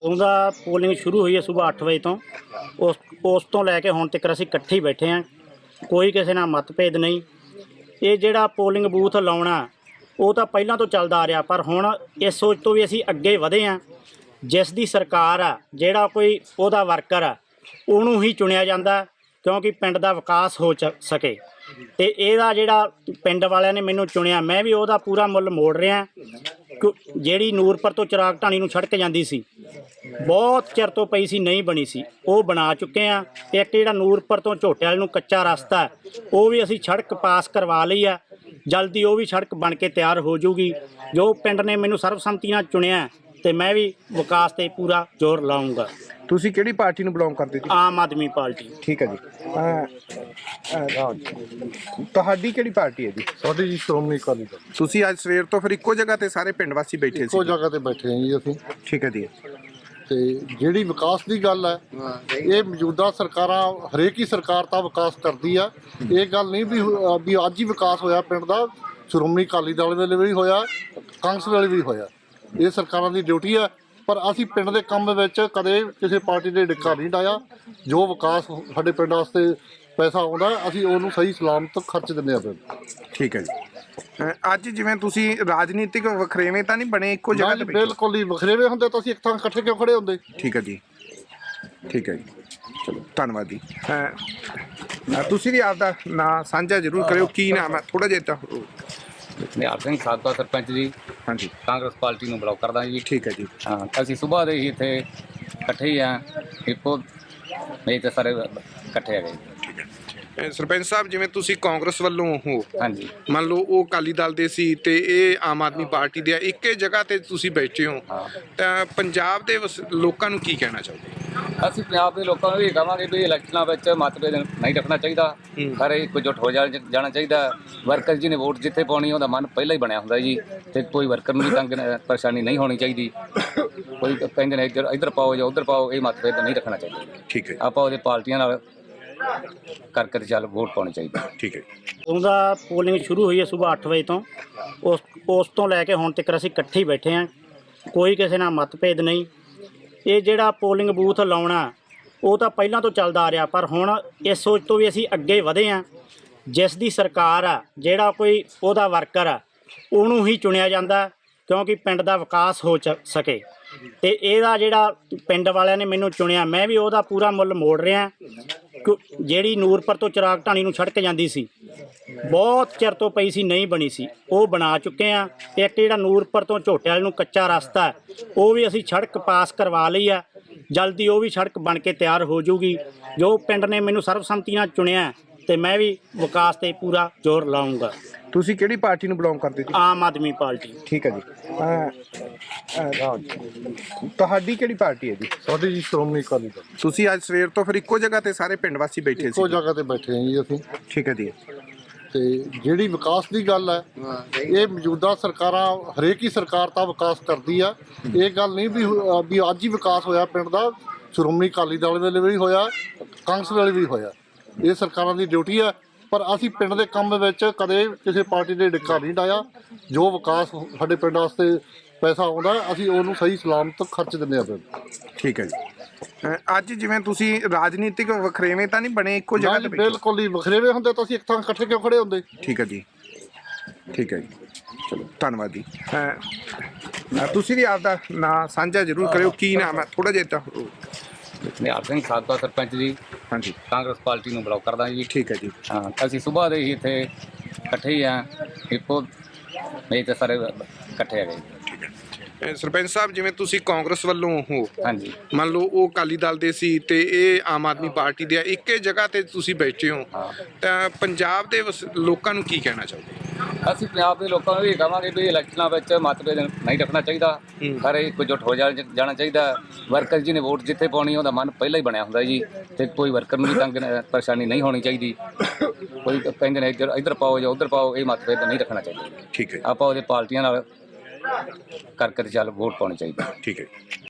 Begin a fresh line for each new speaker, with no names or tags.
ਉਹਦਾ ਪੋਲਿੰਗ ਸ਼ੁਰੂ ਹੋਈ ਹੈ ਸੁਬਾਹ 8 ਵਜੇ ਤੋਂ। ਉਸ ਤੋਂ ਲੈ ਕੇ ਹੁਣ ਤੱਕ ਅਸੀਂ ਇਕੱਠੇ ਹੀ ਬੈਠੇ ਹਾਂ, ਕੋਈ ਕਿਸੇ ਨਾਲ ਮਤਭੇਦ ਨਹੀਂ। ਇਹ ਜਿਹੜਾ ਪੋਲਿੰਗ ਬੂਥ ਲਾਉਣਾ ਉਹ ਤਾਂ ਪਹਿਲਾਂ ਤੋਂ ਚੱਲਦਾ ਆ ਰਿਹਾ, ਪਰ ਹੁਣ ਇਸ ਸੋਚ ਤੋਂ ਵੀ ਅਸੀਂ ਅੱਗੇ ਵਧੇ ਹਾਂ। ਜਿਸ ਦੀ ਸਰਕਾਰ ਆ, ਜਿਹੜਾ ਕੋਈ ਉਹਦਾ ਵਰਕਰ ਆ, ਉਹਨੂੰ ਹੀ ਚੁਣਿਆ ਜਾਂਦਾ ਕਿਉਂਕਿ ਪਿੰਡ ਦਾ ਵਿਕਾਸ ਹੋ ਸਕੇ। ਅਤੇ ਇਹਦਾ ਜਿਹੜਾ ਪਿੰਡ ਵਾਲਿਆਂ ਨੇ ਮੈਨੂੰ ਚੁਣਿਆ, ਮੈਂ ਵੀ ਉਹਦਾ ਪੂਰਾ ਮੁੱਲ ਮੋੜ ਰਿਹਾ। ਜਿਹੜੀ ਨੂਰਪੁਰ ਤੋਂ ਚਿਰਾਗ ਢਾਣੀ ਨੂੰ ਸੜਕ ਜਾਂਦੀ ਸੀ, ਬਹੁਤ ਚਿਰ ਤੋਂ ਪਈ ਸੀ, ਨਹੀਂ ਬਣੀ ਸੀ, ਉਹ ਬਣਾ ਚੁੱਕੇ ਆ। ਇੱਕ ਜਿਹੜਾ ਨੂਰਪੁਰ ਤੋਂ ਝੋਟੇ ਵਾਲੇ ਨੂੰ ਕੱਚਾ ਰਸਤਾ, ਉਹ ਵੀ ਅਸੀਂ ਸੜਕ ਪਾਸ ਕਰਵਾ ਲਈ ਆ। ਜਲਦੀ ਉਹ ਵੀ ਸੜਕ ਬਣ ਕੇ ਤਿਆਰ ਹੋ ਜਾਊਗੀ। ਜੋ ਪਿੰਡ ਨੇ ਮੈਨੂੰ ਸਰਬਸੰਮਤੀ ਨਾਲ ਚੁਣਿਆ ਅਤੇ ਮੈਂ ਵੀ ਵਿਕਾਸ 'ਤੇ ਪੂਰਾ ਜ਼ੋਰ ਲਾਊਂਗਾ।
ਤੁਸੀਂ ਕਿਹੜੀ ਪਾਰਟੀ ਨੂੰ ਬਿਲੋਂਗ ਕਰਦੇ ਜੀ?
ਆਮ ਆਦਮੀ ਪਾਰਟੀ।
ਠੀਕ ਹੈ ਜੀ। ਤੁਹਾਡੀ ਕਿਹੜੀ ਪਾਰਟੀ ਹੈ ਜੀ?
ਸਾਡੀ ਜੀ ਸ਼੍ਰੋਮਣੀ ਅਕਾਲੀ ਦਲ।
ਤੁਸੀਂ ਅੱਜ ਸਵੇਰ ਤੋਂ ਫਿਰ ਇੱਕੋ ਜਗ੍ਹਾ ਤੇ ਸਾਰੇ ਪਿੰਡ ਵਾਸੀ ਬੈਠੇ ਸੀ?
ਇੱਕੋ ਜਗ੍ਹਾ ਤੇ ਬੈਠੇ ਹਾਂ ਜੀ ਅਸੀਂ।
ਠੀਕ ਹੈ ਜੀ।
ਤੇ ਜਿਹੜੀ ਵਿਕਾਸ ਦੀ ਗੱਲ ਹੈ, ਇਹ ਮੌਜੂਦਾ ਸਰਕਾਰਾਂ, ਹਰੇਕ ਹੀ ਸਰਕਾਰ ਤਾਂ ਵਿਕਾਸ ਕਰਦੀ ਆ। ਇਹ ਗੱਲ ਨਹੀਂ ਵੀ ਅੱਜ ਹੀ ਵਿਕਾਸ ਹੋਇਆ ਪਿੰਡ ਦਾ। ਸ਼੍ਰੋਮਣੀ ਅਕਾਲੀ ਦਲ ਵੇਲੇ ਵੀ ਹੋਇਆ, ਕਾਂਗਰਸ ਵੇਲੇ ਵੀ ਹੋਇਆ। ਇਹ ਸਰਕਾਰਾਂ ਦੀ ਡਿਊਟੀ ਆ। ਪਰ ਅਸੀਂ ਪਿੰਡ ਦੇ ਕੰਮ ਵਿੱਚ ਕਦੇ ਕਿਸੇ ਪਾਰਟੀ ਦੇ ਡਿੱਕਾ ਨਹੀਂ ਡਾਇਆ। ਜੋ ਵਿਕਾਸ ਸਾਡੇ ਪਿੰਡ ਵਾਸਤੇ ਪੈਸਾ ਆਉਂਦਾ, ਅਸੀਂ ਉਹਨੂੰ ਸਹੀ ਸਲਾਮਤ ਖਰਚ ਦਿੰਦੇ ਹਾਂ ਪਿੰਡ।
ਠੀਕ ਹੈ ਜੀ। ਅੱਜ ਜਿਵੇਂ ਤੁਸੀਂ ਰਾਜਨੀਤਿਕ ਵਖਰੇਵੇਂ ਤਾਂ ਨਹੀਂ ਬਣੇ ਇੱਕੋ ਜਗ੍ਹਾ ਤੇ?
ਬਿਲਕੁਲ ਹੀ ਵਖਰੇਵੇਂ ਹੁੰਦੇ ਤਾਂ ਅਸੀਂ ਇੱਕ ਥਾਂ ਇਕੱਠੇ ਕਿਉਂ ਖੜੇ ਹੁੰਦੇ।
ਠੀਕ ਹੈ ਜੀ। ਠੀਕ ਹੈ ਜੀ, ਚਲੋ ਧੰਨਵਾਦ ਜੀ। ਤੁਸੀਂ ਵੀ ਆਪਦਾ ਨਾਂ ਸਾਂਝਾ ਜ਼ਰੂਰ ਕਰਿਓ। ਕੀ ਨਾਮ ਹੈ? ਥੋੜ੍ਹਾ ਜਿਹਾ ਤਾਂ।
ਨਿਹਾਲ ਸਿੰਘ ਸਾਬਕਾ ਸਰਪੰਚ ਜੀ,
ਹਾਂਜੀ,
ਕਾਂਗਰਸ ਪਾਰਟੀ ਨੂੰ ਬਿਲੋਂਗ ਕਰਦਾ ਜੀ।
ਠੀਕ ਹੈ ਜੀ।
ਹਾਂ, ਅਸੀਂ ਸੁਬਾਹ ਦੇ ਹੀ ਇੱਥੇ ਇਕੱਠੇ ਹੀ ਆ। ਇੱਕੋ ਨਹੀਂ ਤਾਂ ਸਾਰੇ ਇਕੱਠੇ ਹੈਗੇ ਜੀ।
ਸਰਪੰਚ ਸਾਹਿਬ, ਜਿਵੇਂ ਤੁਸੀਂ ਕਾਂਗਰਸ ਵੱਲੋਂ ਹੋ,
ਹਾਂਜੀ,
ਮੰਨ ਲਓ ਉਹ ਅਕਾਲੀ ਦਲ ਦੇ ਸੀ ਤੇ ਇਹ ਆਮ ਆਦਮੀ ਪਾਰਟੀ ਦੇ ਆ, ਇੱਕੇ ਜਗ੍ਹਾ ਤੇ ਤੁਸੀਂ ਬੈਠੇ ਹੋ, ਤਾਂ ਪੰਜਾਬ ਦੇ ਲੋਕਾਂ ਨੂੰ ਕੀ ਕਹਿਣਾ ਚਾਹੋਗੇ?
ਅਸੀਂ ਪੰਜਾਬ ਦੇ ਲੋਕਾਂ ਨੂੰ ਇਹ ਕਹਾਂਗੇ ਵੀ ਇਲੈਕਸ਼ਨਾਂ ਵਿੱਚ ਮਤਭੇਦ ਨਹੀਂ ਰੱਖਣਾ ਚਾਹੀਦਾ। ਸਾਰੇ ਇੱਕਜੁੱਟ ਹੋ ਜਾਣਾ ਚਾਹੀਦਾ। ਵਰਕਰ ਜੀ ਨੇ ਵੋਟ ਜਿੱਥੇ ਪਾਉਣੀ, ਉਹਦਾ ਮਨ ਪਹਿਲਾਂ ਹੀ ਬਣਿਆ ਹੁੰਦਾ ਜੀ। ਅਤੇ ਕੋਈ ਵਰਕਰ ਨੂੰ ਵੀ ਤੰਗ ਪਰੇਸ਼ਾਨੀ ਨਹੀਂ ਹੋਣੀ ਚਾਹੀਦੀ। ਕੋਈ ਕਹਿੰਦੇ ਨੇ ਇੱਧਰ ਪਾਓ ਜਾਂ ਉੱਧਰ ਪਾਓ, ਇਹ ਮਤਭੇਦ ਨਹੀਂ ਰੱਖਣਾ ਚਾਹੀਦਾ।
ਠੀਕ ਹੈ।
ਆਪਾਂ ਉਹਦੇ ਪਾਰਟੀਆਂ ਨਾਲ ਕਰਕੇ ਚੱਲ ਵੋਟ ਪਾਉਣੀ ਚਾਹੀਦੀ।
ਠੀਕ ਹੈ।
ਉਹਦਾ ਪੋਲਿੰਗ ਸ਼ੁਰੂ ਹੋਈ ਹੈ ਸੁਬਾਹ 8 ਵਜੇ ਤੋਂ। ਉਸ ਤੋਂ ਲੈ ਕੇ ਹੁਣ ਤੱਕ ਅਸੀਂ ਇਕੱਠੇ ਹੀ ਬੈਠੇ ਹਾਂ, ਕੋਈ ਕਿਸੇ ਨਾਲ ਮਤਭੇਦ ਨਹੀਂ। ਇਹ ਜਿਹੜਾ ਪੋਲਿੰਗ ਬੂਥ ਲਾਉਣਾ ਉਹ ਤਾਂ ਪਹਿਲਾਂ ਤੋਂ ਚੱਲਦਾ ਆ ਰਿਹਾ, ਪਰ ਹੁਣ ਇਸ ਸੋਚ ਤੋਂ ਵੀ ਅਸੀਂ ਅੱਗੇ ਵਧੇ ਹਾਂ। ਜਿਸ ਦੀ ਸਰਕਾਰ ਆ, ਜਿਹੜਾ ਕੋਈ ਉਹਦਾ ਵਰਕਰ ਆ, ਉਹਨੂੰ ਹੀ ਚੁਣਿਆ ਜਾਂਦਾ ਕਿਉਂਕਿ ਪਿੰਡ ਦਾ ਵਿਕਾਸ ਹੋ ਸਕੇ। ਅਤੇ ਇਹਦਾ ਜਿਹੜਾ ਪਿੰਡ ਵਾਲਿਆਂ ਨੇ ਮੈਨੂੰ ਚੁਣਿਆ, ਮੈਂ ਵੀ ਉਹਦਾ ਪੂਰਾ ਮੁੱਲ ਮੋੜ ਰਿਹਾ। ਜਿਹੜੀ ਨੂਰਪੁਰ ਤੋਂ ਚਿਰਾਗ ਢਾਣੀ ਨੂੰ ਸੜਕ ਜਾਂਦੀ ਸੀ, ਬਹੁਤ ਚਿਰ ਤੋਂ ਪਈ ਸੀ, ਨਹੀਂ ਬਣੀ ਸੀ, ਉਹ ਬਣਾ ਚੁੱਕੇ ਆ। ਇੱਕ ਜਿਹੜਾ ਨੂਰਪੁਰ ਤੋਂ ਝੋਟੇ ਵਾਲੇ ਨੂੰ ਕੱਚਾ ਰਸਤਾ, ਉਹ ਵੀ ਅਸੀਂ ਸੜਕ ਪਾਸ ਕਰਵਾ ਲਈ ਆ। ਜਲਦੀ ਉਹ ਵੀ ਸੜਕ ਬਣ ਕੇ ਤਿਆਰ ਹੋ ਜਾਊਗੀ। ਜੋ ਪਿੰਡ ਨੇ ਮੈਨੂੰ ਸਰਬਸੰਮਤੀ ਨਾਲ ਚੁਣਿਆ ਅਤੇ ਮੈਂ ਵੀ ਵਿਕਾਸ 'ਤੇ ਪੂਰਾ ਜ਼ੋਰ ਲਾਊਂਗਾ।
ਤੁਸੀਂ ਕਿਹੜੀ ਪਾਰਟੀ ਨੂੰ ਬਿਲੋਂਗ ਕਰਦੇ ਜੀ?
ਆਮ ਆਦਮੀ ਪਾਰਟੀ।
ਠੀਕ ਹੈ ਜੀ। ਤੁਹਾਡੀ ਕਿਹੜੀ ਪਾਰਟੀ ਹੈ ਜੀ?
ਸਾਡੀ ਜੀ ਸ਼੍ਰੋਮਣੀ ਅਕਾਲੀ ਦਲ।
ਤੁਸੀਂ ਅੱਜ ਸਵੇਰ ਤੋਂ ਫਿਰ ਇੱਕੋ ਜਗ੍ਹਾ ਤੇ ਸਾਰੇ ਪਿੰਡ ਵਾਸੀ ਬੈਠੇ ਸੀ?
ਇੱਕੋ ਜਗ੍ਹਾ ਤੇ ਬੈਠੇ ਹਾਂ ਜੀ ਅਸੀਂ।
ਠੀਕ ਹੈ ਜੀ।
ਤੇ ਜਿਹੜੀ ਵਿਕਾਸ ਦੀ ਗੱਲ ਹੈ, ਇਹ ਮੌਜੂਦਾ ਸਰਕਾਰਾਂ, ਹਰੇਕ ਹੀ ਸਰਕਾਰ ਤਾਂ ਵਿਕਾਸ ਕਰਦੀ ਆ। ਇਹ ਗੱਲ ਨਹੀਂ ਵੀ ਅੱਜ ਹੀ ਵਿਕਾਸ ਹੋਇਆ ਪਿੰਡ ਦਾ। ਸ਼੍ਰੋਮਣੀ ਅਕਾਲੀ ਦਲ ਵੇਲੇ ਵੀ ਹੋਇਆ, ਕਾਂਗਰਸ ਵੇਲੇ ਵੀ ਹੋਇਆ। ਇਹ ਸਰਕਾਰਾਂ ਦੀ ਡਿਊਟੀ ਆ। ਪਰ ਅਸੀਂ ਪਿੰਡ ਦੇ ਕੰਮ ਵਿੱਚ ਕਦੇ ਕਿਸੇ ਪਾਰਟੀ ਦੇ ਡਿੱਕਾ ਨਹੀਂ ਡਾਇਆ। ਜੋ ਵਿਕਾਸ ਸਾਡੇ ਪਿੰਡ ਵਾਸਤੇ ਪੈਸਾ ਆਉਂਦਾ, ਅਸੀਂ ਉਹਨੂੰ ਸਹੀ ਸਲਾਮਤ ਖਰਚ ਦਿੰਦੇ ਹਾਂ ਪਿੰਡ।
ਠੀਕ ਹੈ ਜੀ। ਅੱਜ ਜਿਵੇਂ ਤੁਸੀਂ ਰਾਜਨੀਤਿਕ ਵਖਰੇਵੇਂ ਤਾਂ ਨਹੀਂ ਬਣੇ ਇੱਕੋ ਜਗ੍ਹਾ ਤੇ?
ਬਿਲਕੁਲ ਹੀ ਵਖਰੇਵੇਂ ਹੁੰਦੇ ਤਾਂ ਅਸੀਂ ਇੱਕ ਥਾਂ ਇਕੱਠੇ ਕਿਉਂ ਖੜੇ ਹੁੰਦੇ।
ਠੀਕ ਹੈ ਜੀ। ਠੀਕ ਹੈ ਜੀ, ਚਲੋ ਧੰਨਵਾਦ ਜੀ। ਤੁਸੀਂ ਵੀ ਆਪਦਾ ਨਾਂ ਸਾਂਝਾ ਜ਼ਰੂਰ ਕਰਿਓ। ਕੀ ਨਾਮ ਹੈ? ਥੋੜ੍ਹਾ ਜਿਹਾ ਤਾਂ।
ਨਿਹਾਲ ਸਿੰਘ ਸਾਬਕਾ ਸਰਪੰਚ ਜੀ,
ਹਾਂਜੀ,
ਕਾਂਗਰਸ ਪਾਰਟੀ ਨੂੰ ਬਿਲੋਂਗ ਕਰਦਾ ਜੀ।
ਠੀਕ ਹੈ ਜੀ।
ਹਾਂ, ਅਸੀਂ ਸੁਬਾਹ ਦੇ ਹੀ ਇੱਥੇ ਇਕੱਠੇ ਹੀ ਆ। ਇੱਕੋ ਨਹੀਂ ਤਾਂ ਸਾਰੇ ਇਕੱਠੇ ਹੈਗੇ ਜੀ।
ਸਰਪੰਚ ਸਾਹਿਬ, ਜਿਵੇਂ ਤੁਸੀਂ ਕਾਂਗਰਸ ਵੱਲੋਂ ਹੋ,
ਹਾਂਜੀ,
ਮੰਨ ਲਓ ਉਹ ਅਕਾਲੀ ਦਲ ਦੇ ਸੀ ਤੇ ਇਹ ਆਮ ਆਦਮੀ ਪਾਰਟੀ ਦੇ ਆ, ਇੱਕੇ ਜਗ੍ਹਾ ਤੇ ਤੁਸੀਂ ਬੈਠੇ ਹੋ, ਤਾਂ ਪੰਜਾਬ ਦੇ ਲੋਕਾਂ ਨੂੰ ਕੀ ਕਹਿਣਾ ਚਾਹੋਗੇ?
ਅਸੀਂ ਪੰਜਾਬ ਦੇ ਲੋਕਾਂ ਨੂੰ ਇਹ ਕਹਾਂਗੇ ਵੀ ਇਲੈਕਸ਼ਨਾਂ ਵਿੱਚ ਮਤਭੇਦ ਨਹੀਂ ਰੱਖਣਾ ਚਾਹੀਦਾ। ਸਾਰੇ ਇੱਕਜੁੱਟ ਹੋ ਜਾਣਾ ਚਾਹੀਦਾ। ਵਰਕਰ ਜੀ ਨੇ ਵੋਟ ਜਿੱਥੇ ਪਾਉਣੀ, ਉਹਦਾ ਮਨ ਪਹਿਲਾਂ ਹੀ ਬਣਿਆ ਹੁੰਦਾ ਜੀ। ਅਤੇ ਕੋਈ ਵਰਕਰ ਨੂੰ ਵੀ ਤੰਗ ਪਰੇਸ਼ਾਨੀ ਨਹੀਂ ਹੋਣੀ ਚਾਹੀਦੀ। ਕੋਈ ਕਹਿੰਦੇ ਨੇ ਇੱਧਰ ਪਾਓ ਜਾਂ ਉੱਧਰ ਪਾਓ, ਇਹ ਮਤਭੇਦ ਨਹੀਂ ਰੱਖਣਾ ਚਾਹੀਦਾ।
ਠੀਕ ਹੈ।
ਆਪਾਂ ਉਹਦੇ ਪਾਰਟੀਆਂ ਨਾਲ ਕਰਕੇ ਚੱਲ ਵੋਟ ਪਾਉਣੀ ਚਾਹੀਦੀ।
ਠੀਕ ਹੈ।